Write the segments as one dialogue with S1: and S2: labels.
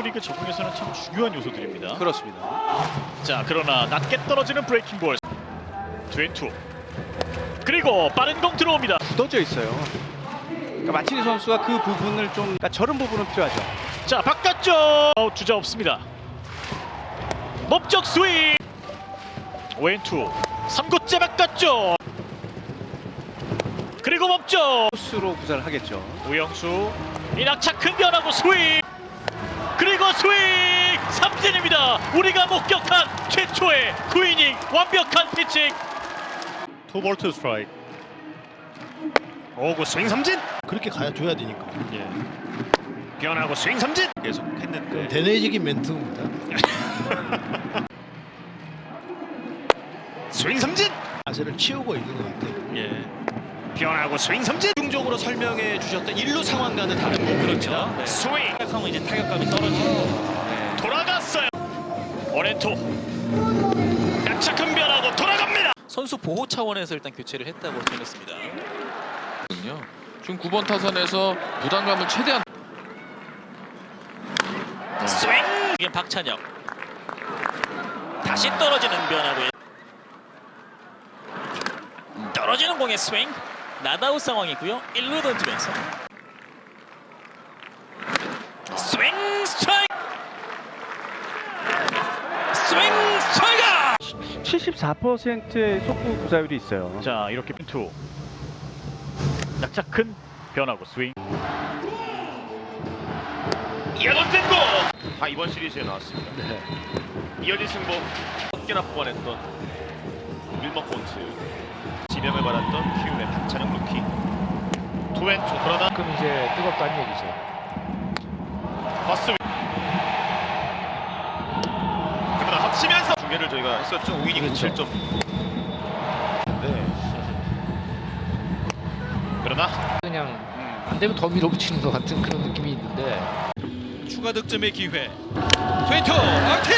S1: 메이저리그 적응에서는 참 중요한 요소들입니다.
S2: 그렇습니다.
S1: 자, 그러나 낮게 떨어지는 브레이킹 볼. 2&2. 그리고 빠른 공 들어옵니다.
S2: 굳어져 있어요. 그러니까 마치니 선수가 그 부분을 좀, 그러니까 저런 부분은 필요하죠.
S1: 자, 바깥쪽 주자 없습니다. 몸쪽 스윙. 5&2. 3구째 바깥쪽. 그리고 몸쪽.
S2: 코스로 구사를 하겠죠.
S1: 우영수 이낙차 큰 변하고 스윙. 그리고 스윙 삼진입니다. 우리가 목격한 최초의 9이닝 완벽한 피칭.
S3: 2볼 2 스트라이크. 오고 스윙 삼진.
S4: 그렇게 가줘야 되니까.
S1: 예.
S3: 변하고 스윙 삼진. 계속 했는데
S4: 대내적인 멘트입니다.
S3: 스윙 삼진.
S4: 자세를 치우고 있는 것 같아요.
S3: 예. 변하고 스윙 삼진.
S5: 중적으로 설명해 주셨던 일루 상황과는 다른 부분입니다. 네.
S3: 스윙.
S5: 하면 이제 타격감이 떨어지고
S1: 돌아갔어요. 원앤투. 약착한 변하고 돌아갑니다.
S5: 선수 보호 차원에서 일단 교체를 했다고 전했습니다.
S6: 지금 9번 타선에서 부담감을 최대한
S5: 스윙! 이게 박찬혁. 다시 떨어지는 변화고요. 떨어지는 공의 스윙. 나다웃 상황이고요. 1루 던지면서 스윙 스트라이크. 스윙 스트라이크.
S2: 74%의 속구 구사율이 있어요.
S1: 자, 이렇게 투. 약착큰 변하고 스윙.
S3: 이어던진 공. 이번 시리즈에 나왔습니다. 이어진 승부. 10개나 뽑아냈던 밀머 폰트. 지명을 받았던 키움의 박찬영 루키. 2&2 그러나
S4: 그럼 이제 뜨겁다는 얘기죠.
S3: 버스. 그러나 합치면서 중계를 저희가 했었죠. 5이닝
S4: 그렇죠.
S3: 7점. 네. 그러나
S4: 그냥 안 되면 더 밀어붙이는 것 같은 그런 느낌이 있는데.
S5: 추가 득점의 기회. 2&2 아웃.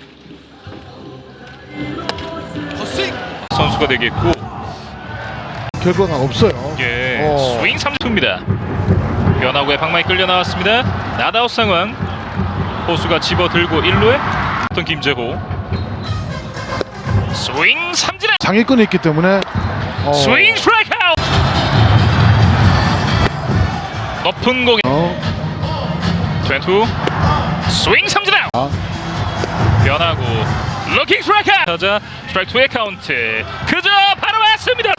S5: 헛스윙.
S7: 선수가 되겠고
S4: 결과가 없어요.
S7: 예, 스윙 3투입니다. 변화구에 방망이 끌려 나왔습니다. 나다웃 상황. 호수가 집어들고 1루에 어떤 김재호. 스윙 삼진아.
S4: 장애권이 있기 때문에
S7: 스윙 스트라이크 아웃. 높은 공에 2&2 스윙 삼진 아웃. 변화구 루킹 스트라이크 아웃. 타자 스트라이크 2의 카운트. 그저 바로 왔습니다.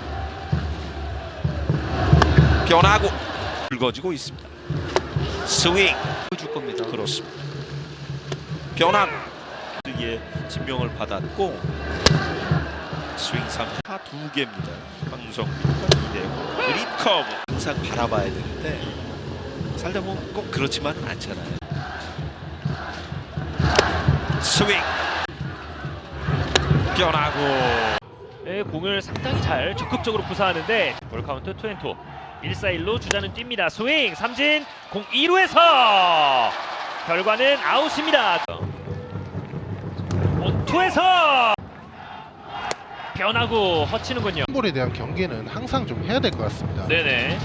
S5: 변화고 붉어지고 있습니다. 스윙 줄 겁니다.
S3: 그렇습니다. 변화구. 에 진명을 받았고 스윙 3타 2개입니다. 황성민과 이대호. 그린 커브. 항상 바라봐야 되는데 살다 보면 꼭 그렇지만 않잖아요. 스윙. 변화구.
S8: 공을 상당히 잘 적극적으로 구사하는데 볼 카운트 2&2 1-4-1로 주자는 뜁니다. 스윙 삼진 공 2루에서 결과는 아웃입니다. 원투에서 변하고 허치는군요.
S4: 볼에 대한 경계는 항상 좀 해야 될 것 같습니다.
S8: 네네.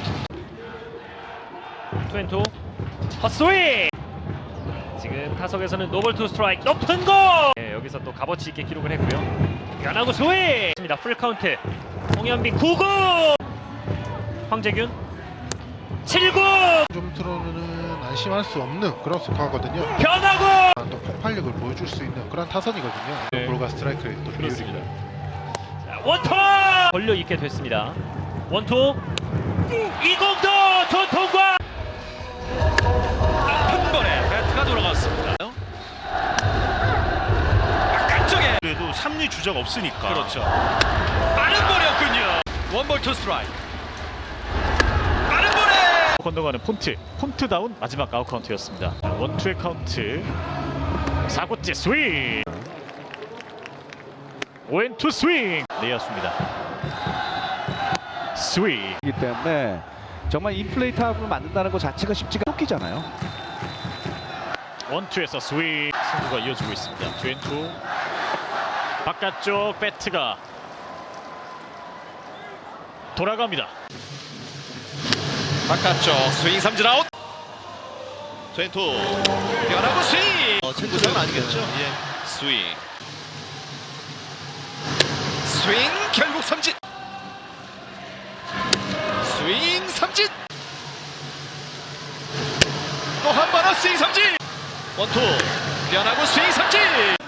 S8: 2&2 헛스윙. 지금 타석에서는 노볼 투 스트라이크 높은 공. 네, 여기서 또 값어치 있게 기록을 했고요. 변하고 스윙. 풀 카운트. 홍현빈 9구. 황재균 7구.
S4: 좀 들어는 안심할 수 없는 그런 스코어거든요.
S8: 변하고
S4: 또 폭발력을 보여줄 수 있는 그런 타선이거든요.
S8: 네.
S4: 볼과 스트라이크의 또 비율이.
S8: 그렇습니다. 원투 걸려 있게 됐습니다. 원투 이공도 전통과
S5: 한 번에 배트가 돌아갔습니다. 바깥쪽에
S3: 그래도 3루 주자가 없으니까.
S5: 그렇죠. 빠른 볼이었군요. 원볼 투 스트라이크. 빠른 볼에
S1: 건너가는 폰트다운 마지막 아웃 카운트였습니다. 원투의 카운트. 4구째 스윙. 5&2 스윙. 내야수입니다. 스윙.
S2: 이기 때문에 정말 인플레이 타구를 만든다는 것 자체가 쉽지가 않기잖아요.
S1: 원투에서 스윙. 승부가 이어지고 있습니다. 2&2 바깥쪽 배트가 돌아갑니다.
S5: 바깥쪽 스윙 삼진 아웃.
S3: 2&2
S5: 변하고 스윙.
S3: 아니겠죠? 예. 스윙. 스윙 결국 삼진. 스윙 삼진. 또 한 번은 스윙 삼진. 원투 변하고 스윙 삼진.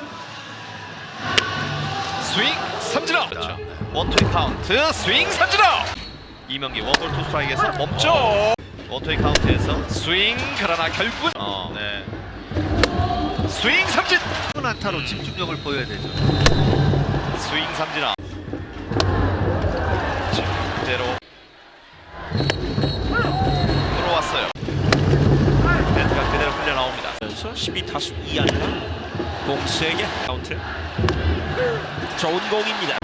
S3: 스윙 삼진 아웃. 그렇죠. 원투의 카운트 스윙 삼진 아웃. 이명기 원볼 투 스트라이크에서 멈춰. 원투의 카운트에서 스윙 그러나 결국은 네. 스윙 삼진. 안타로 집중력을 보여야 되죠. 스윙 삼진 아웃. 그대로 들어왔어요. 배트가 그대로 흘려 나옵니다. 12타수 2안타 공 3개 카운트. 좋은 공입니다.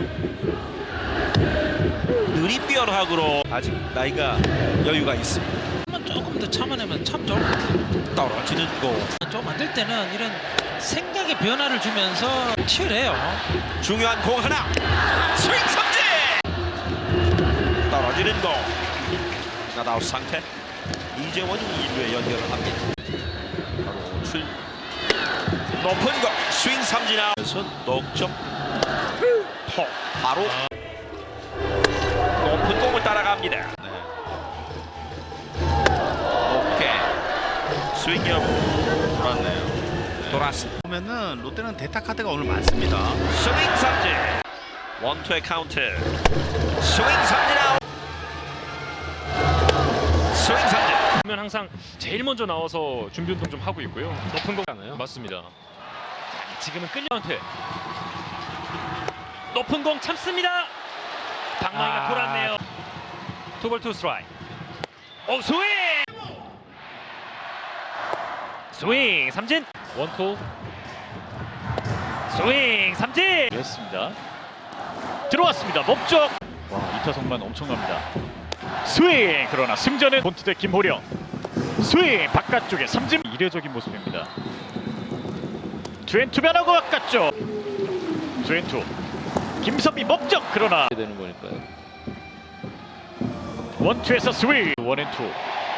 S3: 느린 변화구로 아직 나이가 여유가 있습니다.
S9: 조금 더 참아내면 참 좋을 것 같아요.
S3: 떨어지는 공.
S9: 좀 만들 때는 이런 생각의 변화를 주면서 치열해요.
S3: 중요한 공 하나. 스윙 삼진. 떨어지는 공. 나다웃 상태. 이재원이 1루에 연결을 합니다. 바로 출. 높은 공. 스윙 삼진 아웃에서 넉점. 바로 높은 공을 따라갑니다. 오케이. 스윙 여부 돌았네요. 돌았습니다.
S2: 보면은 롯데는 대타 카드가 오늘 많습니다.
S3: 스윙 삼진. 원투의 카운트. 스윙 삼진 아웃. 스윙 삼진.
S8: 그러면 항상 제일 먼저 나와서 준비 운동 좀 하고 있고요. 높은 거잖아요.
S7: 맞습니다.
S8: 지금은 끌려한테 높은 공 참습니다. 방망이가 돌았네요. 투볼 투 스트라이크. 오 스윙. 스윙 삼진. 원투. 스윙 삼진.
S1: 했습니다. 들어왔습니다. 몸쪽. 와, 이타석만 엄청납니다. 스윙. 그러나 승자는 본투대 김호령. 스윙 바깥쪽에 삼진. 이례적인 모습입니다. 투앤투 변하고 바깥쪽. 투앤투. 김선비 목적. 그러나
S6: 되는 거니까요.
S1: 원투에서 스윙. 원앤투.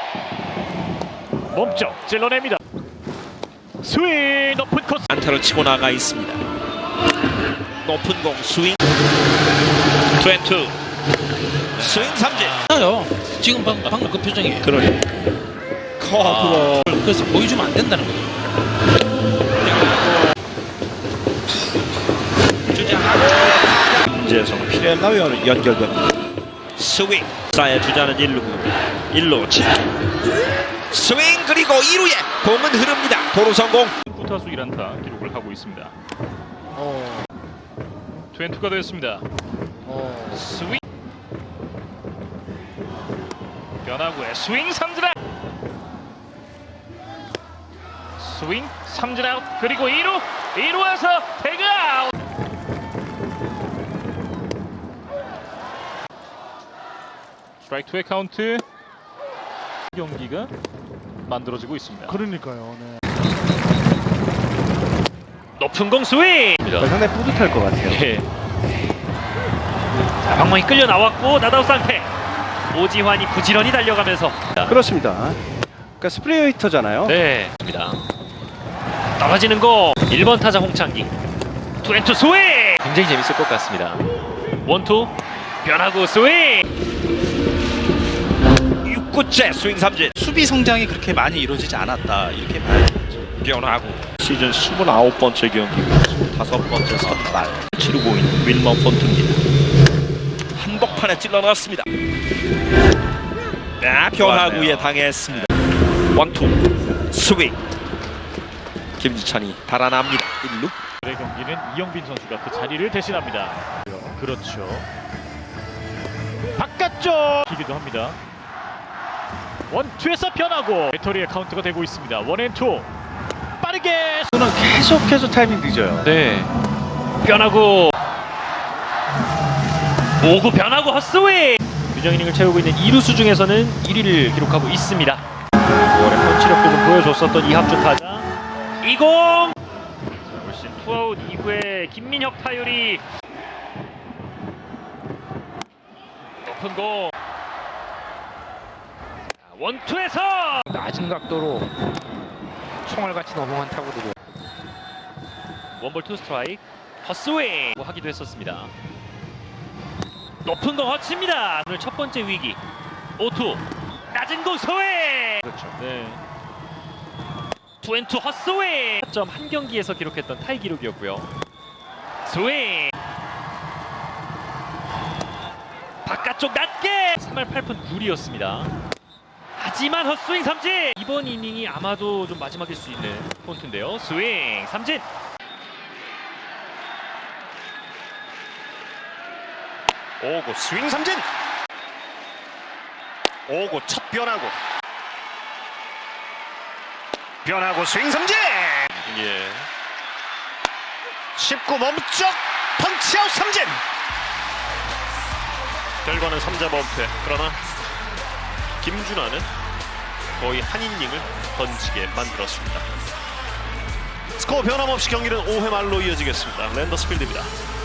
S1: 몸쪽 찔러냅니다. 스윙. 높은 코스.
S3: 안타를 치고 나가 있습니다. 높은 공 스윙. 투앤투. 스윙 삼진.
S9: 나요. 지금 방금 그 표정이에요.
S3: 그러네.
S9: 그래서 보여주면 안 된다는 거예요.
S3: 김재성 피렐라와 연결됩니다. 스윙. 사의 주자는 1루입니다. 1루 스윙 그리고 2루에 공은 흐릅니다. 도루 성공.
S7: 9타수 1안타 기록을 하고 있습니다. 투앤투가 되었습니다. 스윙. 변화구에 스윙 삼진 아웃. 스윙 삼진 아웃. 그리고 2루에서 태그 아웃. 스트라이크 2의 카운트. 경기가 만들어지고 있습니다.
S2: 그러니까요. 네.
S8: 높은 공 스윙.
S2: 상당히 뿌듯할 것 같아요.
S8: 예. 자, 방망이 끌려 나왔고 나다웃 상태. 오지환이 부지런히 달려가면서
S2: 그렇습니다. 그러니까 스프레이 히터잖아요.
S8: 네. 떨어지는 공. 1번 타자 홍창기. 투앤투 스윙. 굉장히 재밌을 것 같습니다. 원투. 변화구 스윙.
S3: 6구째 스윙 삼진.
S2: 수비 성장이 그렇게 많이 이루어지지 않았다. 이렇게 봐야 되겠죠.
S3: 변화구. 시즌 29번째 경기 25번째 선발 치르고 있는 윌머 폰트입니다. 한복판에 찔러 넣었습니다. 변화구에 당했습니다. 원투 스윙. 김지찬이 달아납니다. 1루.
S1: 오늘의 경기는 이영빈 선수가 그 자리를 대신합니다. 그렇죠. 바깥쪽 기기도 합니다. 원투에서 변하고 배터리의 카운트가 되고 있습니다. 원앤투. 빠르게.
S2: 저는 계속해서 타이밍 늦어요.
S8: 네. 변화구. 5구 변화구 헛스윙. 균형 이닝을 채우고 있는 2루수 중에서는 1위를 기록하고 있습니다. 5월에 펀치력도 좀 보여줬었던 이합주 타자. 2공. 훨씬 투아웃 이후에 김민혁 타율이 높은 공. 원투에서
S4: 낮은 각도로 총알같이 넘어간 타구들이
S8: 원볼 투 스트라이크. 헛스윙 하기도 했었습니다. 높은 공 허치입니다. 오늘 첫 번째 위기. 5투 낮은 공 스윙. 그렇죠. 네. 투앤투 헛스윙. 점 한 경기에서 기록했던 타이 기록이었고요. 스윙. 바깥쪽 낮게 3할 8푼 9리였습니다. 하지만 헛스윙 삼진. 이번 이닝이 아마도 좀 마지막일 수 있는 폰트인데요. 스윙 삼진.
S3: 오고 스윙 삼진. 오고 첫 변화고. 변화고 스윙 삼진. 예. 19 멈쩍 펀치아웃 삼진. 결과는 3자 범퇴. 그러나 김준환은 거의 한 이닝을 던지게 만들었습니다. 스코어 변함없이 경기는 5회 말로 이어지겠습니다. 랜더스 필드입니다.